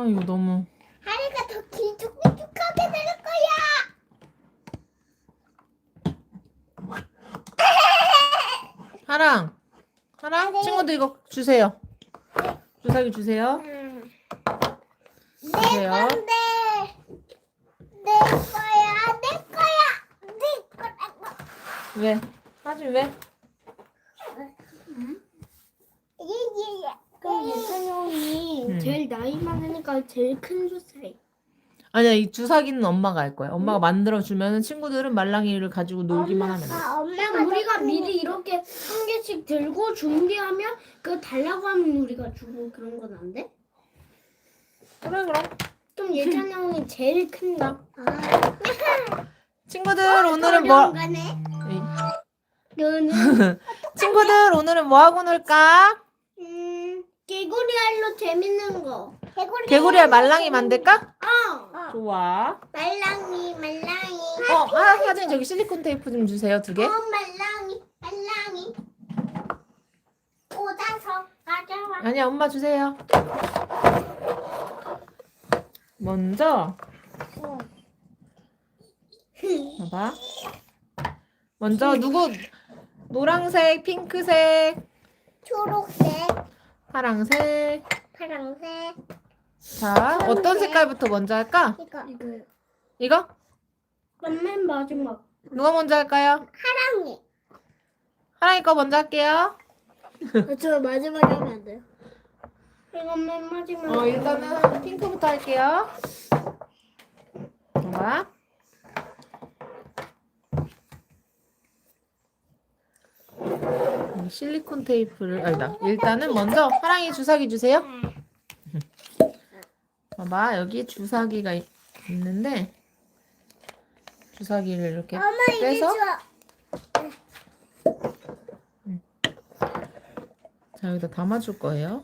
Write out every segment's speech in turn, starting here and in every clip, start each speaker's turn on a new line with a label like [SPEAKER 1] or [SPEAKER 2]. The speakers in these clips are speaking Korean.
[SPEAKER 1] 이거 너무.
[SPEAKER 2] 하리가 더 길쭉길쭉하게 될 거야.
[SPEAKER 1] 하랑 친구들 이거 주세요. 주사기 주세요.
[SPEAKER 2] 내
[SPEAKER 1] 주세요.
[SPEAKER 2] 건데. 내 거야. 내 거야. 내 거라고.
[SPEAKER 1] 왜? 하진 왜?
[SPEAKER 2] 예예예.
[SPEAKER 3] 그럼 예찬이 형이 제일 나이 많으니까 제일 큰 주사위.
[SPEAKER 1] 아니야, 이 주사기는 엄마가 할 거야. 엄마가 만들어 주면은 친구들은 말랑이를 가지고 놀기만 하면 돼.
[SPEAKER 2] 엄마가
[SPEAKER 3] 우리가
[SPEAKER 2] 더
[SPEAKER 3] 미리 이렇게 한 개씩 들고 준비하면 그 달라고 하면 우리가 주고 그런 건 안 돼?
[SPEAKER 1] 그래 그럼.
[SPEAKER 3] 그럼 예찬이 형이 제일 큰다.
[SPEAKER 1] 친구들 오늘은 뭐?
[SPEAKER 2] 거네.
[SPEAKER 3] 너는
[SPEAKER 1] 친구들 오늘은 뭐 하고 놀까?
[SPEAKER 3] 개구리 알로 재밌는 거.
[SPEAKER 1] 개구리알 말랑이 만들까?
[SPEAKER 3] 어.
[SPEAKER 1] 좋아.
[SPEAKER 2] 말랑이.
[SPEAKER 1] 하진 저기 실리콘 테이프 좀 주세요, 2개.
[SPEAKER 2] 말랑이. 꽂아서 가져와.
[SPEAKER 1] 아니야, 엄마 주세요. 먼저 봐봐. 먼저 누구? 노란색, 핑크색,
[SPEAKER 2] 초록색,
[SPEAKER 1] 파랑색.
[SPEAKER 2] 파랑색.
[SPEAKER 1] 자, 어떤 색깔부터 먼저 할까?
[SPEAKER 2] 이거
[SPEAKER 1] 이거?
[SPEAKER 3] 맨 마지막.
[SPEAKER 1] 누가 먼저 할까요?
[SPEAKER 2] 파랑이.
[SPEAKER 1] 하랑이 거 먼저 할게요.
[SPEAKER 3] 저 마지막에 하면 안 돼요? 이거 맨 마지막.
[SPEAKER 1] 일단은 핑크부터 할게요. 봐봐. 실리콘 테이프를 아니다. 일단은 먼저 하랑이 주사기 주세요. 봐봐, 여기 주사기가 있는데 주사기를 이렇게
[SPEAKER 2] 엄마 이제
[SPEAKER 1] 빼서
[SPEAKER 2] 줘.
[SPEAKER 1] 자, 여기다 담아줄 거예요.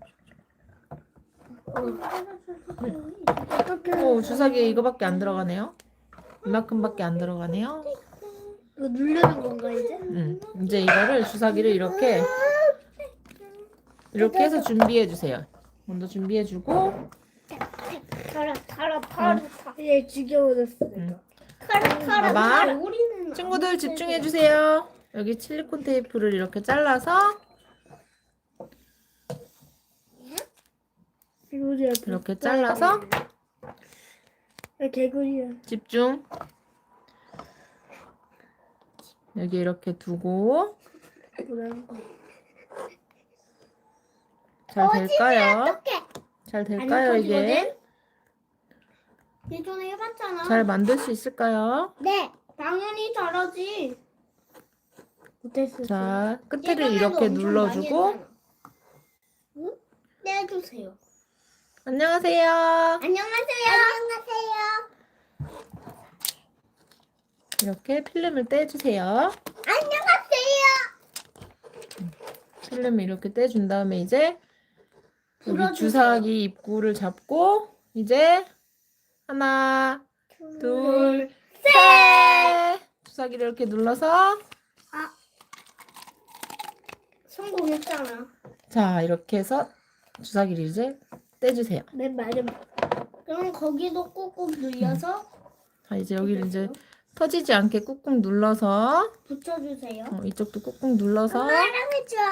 [SPEAKER 1] 오, 주사기에 이거밖에 안 들어가네요. 이만큼밖에 안 들어가네요.
[SPEAKER 3] 이거 누르는 건가 이제?
[SPEAKER 1] 이제 이거를 주사기를 이렇게 해서 준비해 주세요. 먼저 준비해 주고
[SPEAKER 2] 털어.
[SPEAKER 3] 얘 죽여버렸어.
[SPEAKER 1] 봐봐.
[SPEAKER 3] 개구리는
[SPEAKER 1] 친구들 집중해 주세요. 여기 실리콘 테이프를 이렇게 잘라서
[SPEAKER 3] 개구리야.
[SPEAKER 1] 이렇게 잘라서
[SPEAKER 3] 개구리야.
[SPEAKER 1] 집중. 여기 이렇게 두고 잘 될까요?
[SPEAKER 2] 어떡해.
[SPEAKER 1] 잘 될까요, 이게?
[SPEAKER 3] 예전에 해봤잖아.
[SPEAKER 1] 잘 만들 수 있을까요?
[SPEAKER 2] 네.
[SPEAKER 3] 당연히 잘하지. 못했어.
[SPEAKER 1] 자, 끝에를
[SPEAKER 3] 예전에도
[SPEAKER 1] 이렇게
[SPEAKER 3] 엄청
[SPEAKER 1] 눌러주고
[SPEAKER 3] 많이 했잖아. 응? 떼주세요.
[SPEAKER 1] 안녕하세요.
[SPEAKER 2] 안녕하세요.
[SPEAKER 1] 이렇게 필름을 떼주세요.
[SPEAKER 2] 안녕하세요.
[SPEAKER 1] 필름을 이렇게 떼준 다음에 이제 여기
[SPEAKER 3] 불어주세요.
[SPEAKER 1] 주사기 입구를 잡고 이제 하나, 둘, 셋! 주사기를 이렇게 눌러서
[SPEAKER 3] 성공했잖아.
[SPEAKER 1] 자, 이렇게 해서 주사기를 이제 떼주세요.
[SPEAKER 3] 맨 마지막. 그럼 거기도 꾹꾹 눌려서
[SPEAKER 1] 자, 이제 여기를 이제 터지지 않게 꾹꾹 눌러서
[SPEAKER 3] 붙여주세요.
[SPEAKER 1] 이쪽도 꾹꾹 눌러서
[SPEAKER 2] 사랑해 줘.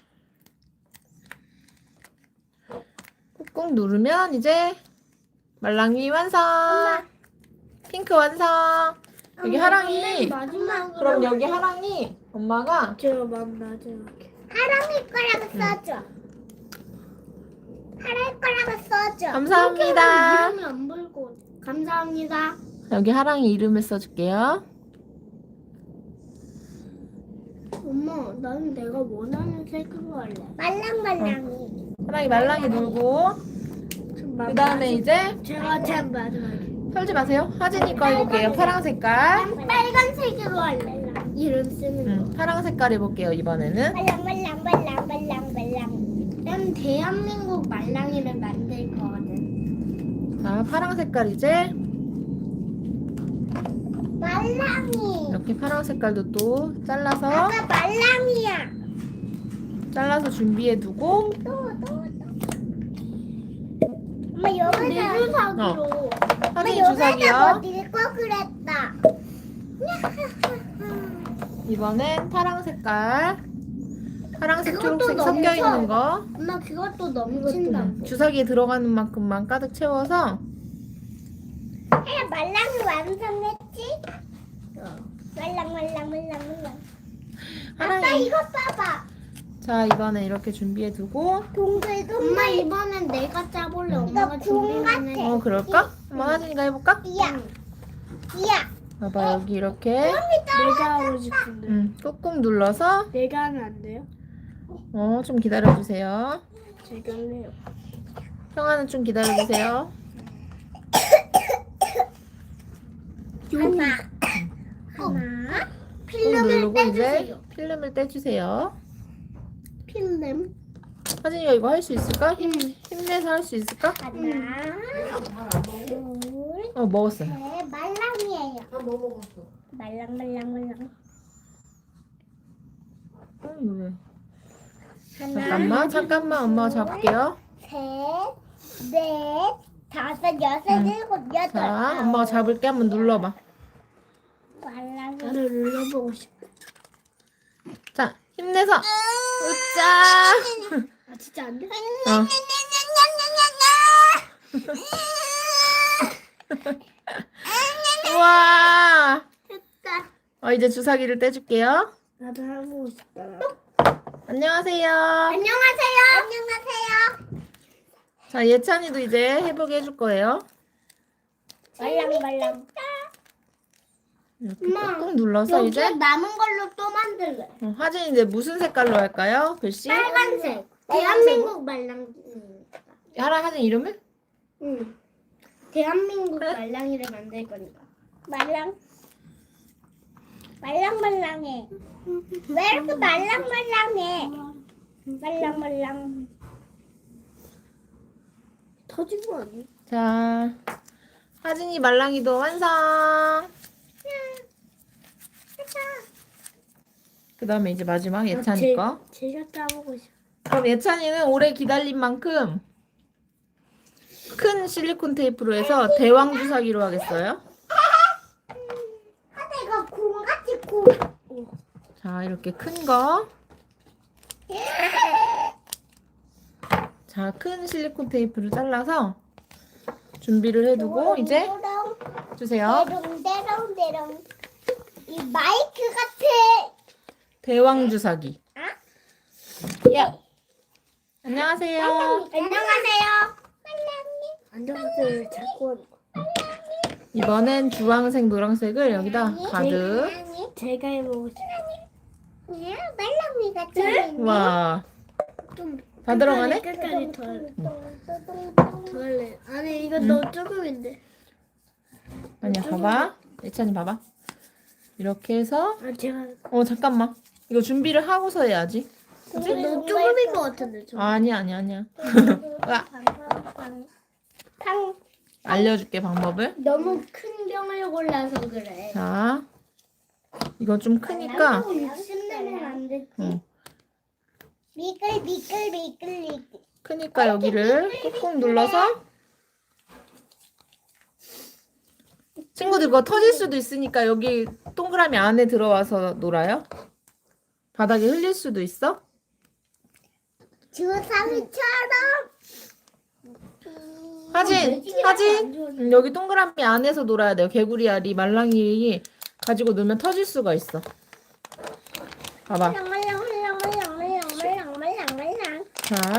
[SPEAKER 1] 꾹꾹 누르면 이제 말랑이 완성. 핑크 완성. 여기 하랑이.
[SPEAKER 3] 마지막으로.
[SPEAKER 1] 그럼 여기 하랑이 엄마가
[SPEAKER 3] 제가 맨 마지막에.
[SPEAKER 2] 하랑이 거라고 써줘. 하랑이 거라고 써줘.
[SPEAKER 1] 감사합니다.
[SPEAKER 3] 이름이 안 보이고. 감사합니다.
[SPEAKER 1] 여기 하랑이 이름을 써줄게요.
[SPEAKER 3] 엄마, 나는 내가 원하는 색으로 할래.
[SPEAKER 2] 말랑말랑이.
[SPEAKER 1] 하랑이 말랑이 눌고 그 다음에 이제
[SPEAKER 3] 제가 제일 마지막에.
[SPEAKER 1] 털지 마세요. 하진이 거 해볼게요. 파랑 색깔.
[SPEAKER 3] 빨간색으로 할래. 이름 쓰는 거.
[SPEAKER 1] 파랑 색깔 해볼게요. 이번에는
[SPEAKER 2] 말랑말랑말랑말랑말랑.
[SPEAKER 3] 난 대한민국 말랑이를 만들 거거든.
[SPEAKER 1] 자, 파랑 색깔 이제
[SPEAKER 2] 말랑이.
[SPEAKER 1] 이렇게 파랑 색깔도 또 잘라서
[SPEAKER 2] 아까 말랑이야.
[SPEAKER 1] 준비해 두고
[SPEAKER 2] 또. 엄마
[SPEAKER 3] 내
[SPEAKER 2] 여기다
[SPEAKER 3] 주사기로.
[SPEAKER 1] 하진이
[SPEAKER 2] 여기다
[SPEAKER 1] 주사기요.
[SPEAKER 2] 뭐 읽고 그랬다.
[SPEAKER 1] 이번엔 파랑 색깔. 파랑색,
[SPEAKER 3] 그것도
[SPEAKER 1] 초록색
[SPEAKER 3] 너무
[SPEAKER 1] 섞여 있는
[SPEAKER 3] 커.
[SPEAKER 1] 거.
[SPEAKER 3] 엄마 그것도 넘친다고.
[SPEAKER 1] 주사기에 들어가는 만큼만 가득 채워서
[SPEAKER 2] 해 말랑이 완성했지? 말랑. 아빠
[SPEAKER 1] 하랑이.
[SPEAKER 2] 이거 봐봐.
[SPEAKER 1] 자, 이번엔 이렇게 준비해 두고.
[SPEAKER 2] 동글동글.
[SPEAKER 3] 엄마 이번엔 내가 짜볼래. 엄마가
[SPEAKER 2] 이거 공
[SPEAKER 3] 준비만 해.
[SPEAKER 2] 같아.
[SPEAKER 1] 그럴까? 엄마 하진이가 해볼까?
[SPEAKER 2] 이야.
[SPEAKER 1] 봐봐, 여기 이렇게.
[SPEAKER 3] 내가 하고 싶은데.
[SPEAKER 1] 꾹꾹 눌러서.
[SPEAKER 3] 내가 하면 안 돼요?
[SPEAKER 1] 좀 기다려주세요.
[SPEAKER 3] 제가 할래요.
[SPEAKER 1] 형아는 좀 기다려주세요.
[SPEAKER 2] 하나.
[SPEAKER 1] 꾹
[SPEAKER 2] 필름을
[SPEAKER 1] 누르고 이제
[SPEAKER 2] 떼주세요.
[SPEAKER 1] 필름을 떼주세요.
[SPEAKER 3] 필름.
[SPEAKER 1] 하진이가 이거 할 수 있을까? 힘내서 할 수 있을까?
[SPEAKER 2] 하나. 둘.
[SPEAKER 1] 먹었어요.
[SPEAKER 2] 셋. 말랑이에요.
[SPEAKER 1] 뭐 먹었어?
[SPEAKER 2] 말랑.
[SPEAKER 1] 이거 왜?
[SPEAKER 2] 하나.
[SPEAKER 1] 잠깐만 엄마가 잡을게요.
[SPEAKER 2] 셋. 넷. 다섯. 여섯. 일곱. 여덟.
[SPEAKER 1] 자, 엄마가 잡을게. 한번 눌러봐.
[SPEAKER 2] 말랑이.
[SPEAKER 3] 나를 눌러보고 싶어.
[SPEAKER 1] 자, 힘내서. 으짜.
[SPEAKER 3] 아 진짜 안 돼?
[SPEAKER 1] 우와.
[SPEAKER 2] 됐다.
[SPEAKER 1] 이제 주사기를 떼줄게요.
[SPEAKER 3] 나도 해보고 싶다.
[SPEAKER 1] 안녕하세요.
[SPEAKER 2] 안녕하세요.
[SPEAKER 1] 자, 예찬이도 이제 해보게 해줄 거예요.
[SPEAKER 2] 말랑.
[SPEAKER 1] 이렇게
[SPEAKER 3] 엄마,
[SPEAKER 1] 꾹꾹 눌러서
[SPEAKER 3] 여기
[SPEAKER 1] 이제
[SPEAKER 3] 남은 걸로 또 만들래.
[SPEAKER 1] 하진 이제 무슨 색깔로 할까요? 글씨?
[SPEAKER 3] 빨간색. 대한민국 말랑.
[SPEAKER 1] 하진 이름을?
[SPEAKER 3] 응. 대한민국 말랑이를 만들 거니까.
[SPEAKER 2] 말랑해. 왜 이렇게 말랑해? 말랑.
[SPEAKER 3] 터진 거 아니야?
[SPEAKER 1] 자, 하진이 말랑이도 완성. 그 다음에 이제 마지막 예찬이 거.
[SPEAKER 3] 제가 짜보고 싶어.
[SPEAKER 1] 그럼 예찬이는 오래 기다린 만큼 큰 실리콘 테이프로 해서 대왕 주사기로 하겠어요.
[SPEAKER 2] 하다가 공같이 공.
[SPEAKER 1] 자, 이렇게 큰 거. 자, 큰 실리콘 테이프를 잘라서 준비를 해두고 이제 주세요.
[SPEAKER 2] 대롱. 이 마이크 같아.
[SPEAKER 1] 대왕 주사기. 야, 안녕하세요.
[SPEAKER 2] 안녕하세요.
[SPEAKER 3] 안녕하세요. 자꾸 하는 거.
[SPEAKER 1] 이번엔 주황색, 노란색을 여기다 가득.
[SPEAKER 3] 제가 해보고 싶어.
[SPEAKER 2] 말랑이 같은.
[SPEAKER 1] 와,
[SPEAKER 3] 좀
[SPEAKER 1] 다 들어가네?
[SPEAKER 3] 끝까지 더 할래. 아니 이거 너무 조금인데.
[SPEAKER 1] 아니야, 봐봐. 예찬이 봐봐. 이렇게 해서
[SPEAKER 3] 아 제가
[SPEAKER 1] 잠깐만. 이거 준비를 하고서 해야지.
[SPEAKER 3] 너무 조금인 것 같은데. 좀.
[SPEAKER 1] 아니야. 알려줄게 방법을.
[SPEAKER 3] 너무 큰 병을 골라서 그래.
[SPEAKER 1] 자, 이건 좀 크니까.
[SPEAKER 3] 60내면 안 됐지.
[SPEAKER 1] 응.
[SPEAKER 2] 미끌.
[SPEAKER 1] 크니까 여기를 꾹꾹 눌러서. 친구들 이거 터질 수도 있으니까 여기 동그라미 안에 들어와서 놀아요. 바닥에 흘릴 수도 있어.
[SPEAKER 2] 주사위처럼.
[SPEAKER 1] 하진, 여기 동그라미 안에서 놀아야 돼요. 개구리 알이 말랑이 가지고 놀면 터질 수가 있어. 봐봐.
[SPEAKER 2] 말랑.
[SPEAKER 1] 자,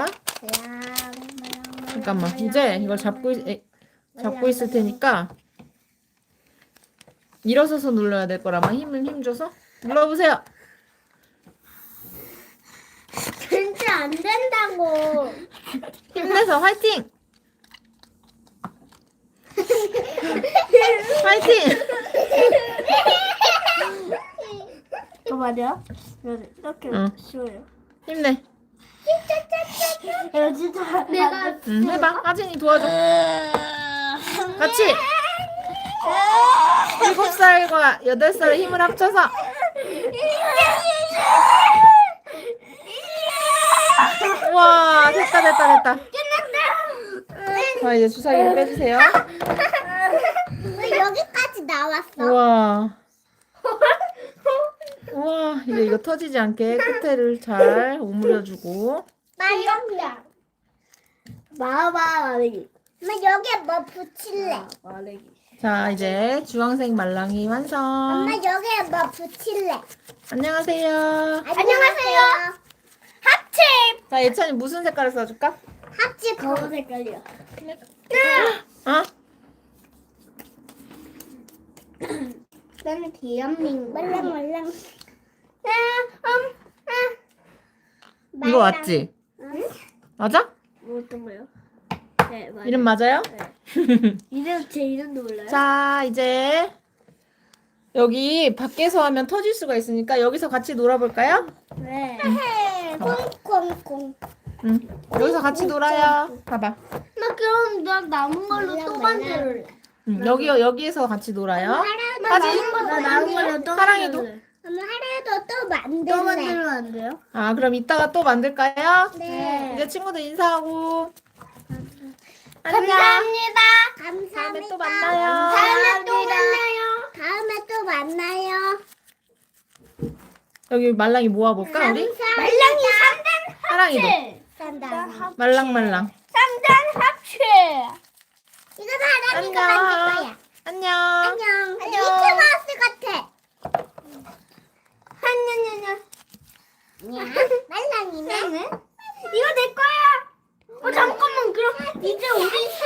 [SPEAKER 1] 잠깐만. 이제 이걸 잡고 있을 테니까 일어서서 눌러야 될 거라마. 힘 줘서 눌러보세요.
[SPEAKER 3] 진짜 안 된다고.
[SPEAKER 1] 힘내서 화이팅! 화이팅!
[SPEAKER 3] 어 맞아? 이렇게
[SPEAKER 1] 응.
[SPEAKER 3] 쉬워요.
[SPEAKER 1] 힘내.
[SPEAKER 3] 야 진짜 내가
[SPEAKER 1] 해봐. 하진이 도와줘. 같이. 7살과 8살의 힘을 합쳐서. 와, 됐다. 자, 이제 주사기를 빼주세요.
[SPEAKER 2] 왜 여기까지 나왔어?
[SPEAKER 1] 우와. 우와, 이제 이거 터지지 않게 끝에를 잘 오므려주고.
[SPEAKER 2] 말랑이야.
[SPEAKER 3] 말레기.
[SPEAKER 2] 엄마 여기에 뭐 붙일래?
[SPEAKER 3] 말레기.
[SPEAKER 1] 자, 이제 주황색 말랑이 완성.
[SPEAKER 2] 엄마 여기에 뭐 붙일래?
[SPEAKER 1] 안녕하세요.
[SPEAKER 2] 안녕하세요. 합체.
[SPEAKER 1] 자, 예찬이 무슨 색깔을 써줄까?
[SPEAKER 2] 합체
[SPEAKER 3] 검은 색깔이요.
[SPEAKER 1] 어?
[SPEAKER 3] 나는 대한민국.
[SPEAKER 2] 말랑.
[SPEAKER 1] 이거 맞지? 맞아?
[SPEAKER 3] 뭐 어떤 거요? 네, 맞아요.
[SPEAKER 1] 이름 맞아요?
[SPEAKER 3] 제 이름도 몰라요?
[SPEAKER 1] 자, 이제 여기 밖에서 하면 터질 수가 있으니까 여기서 같이 놀아볼까요?
[SPEAKER 3] 네.
[SPEAKER 2] 콩콩콩.
[SPEAKER 1] 응. 여기서 같이 놀아요. 봐봐.
[SPEAKER 3] 나 그럼 나 남은 걸로 또 만들래.
[SPEAKER 1] 응. 여기에서 같이 놀아요.
[SPEAKER 3] 나 남은 걸로 또
[SPEAKER 1] 사랑이도.
[SPEAKER 3] 만들래.
[SPEAKER 2] 엄마 하루에도 또 만들래.
[SPEAKER 3] 또 만들면 안 돼요?
[SPEAKER 1] 아, 그럼 이따가 또 만들까요?
[SPEAKER 2] 네.
[SPEAKER 1] 이제 친구들 인사하고.
[SPEAKER 2] 감사합니다.
[SPEAKER 1] 다음에 또 만나요.
[SPEAKER 2] 다음에 또 만나요. 다음에 또 만나요.
[SPEAKER 1] 여기 말랑이 모아볼까, 우리?
[SPEAKER 2] 말랑이
[SPEAKER 1] 사랑이도.
[SPEAKER 2] 산다.
[SPEAKER 1] 말랑말랑.
[SPEAKER 2] 3단 합체. 이거 사랑이가
[SPEAKER 1] 안녕.
[SPEAKER 2] 만들 거야.
[SPEAKER 1] 안녕.
[SPEAKER 2] 안녕. 미키마우스 같아. 말랑이네.
[SPEAKER 3] 이거 내 거야. 잠깐만 그럼 이제 우리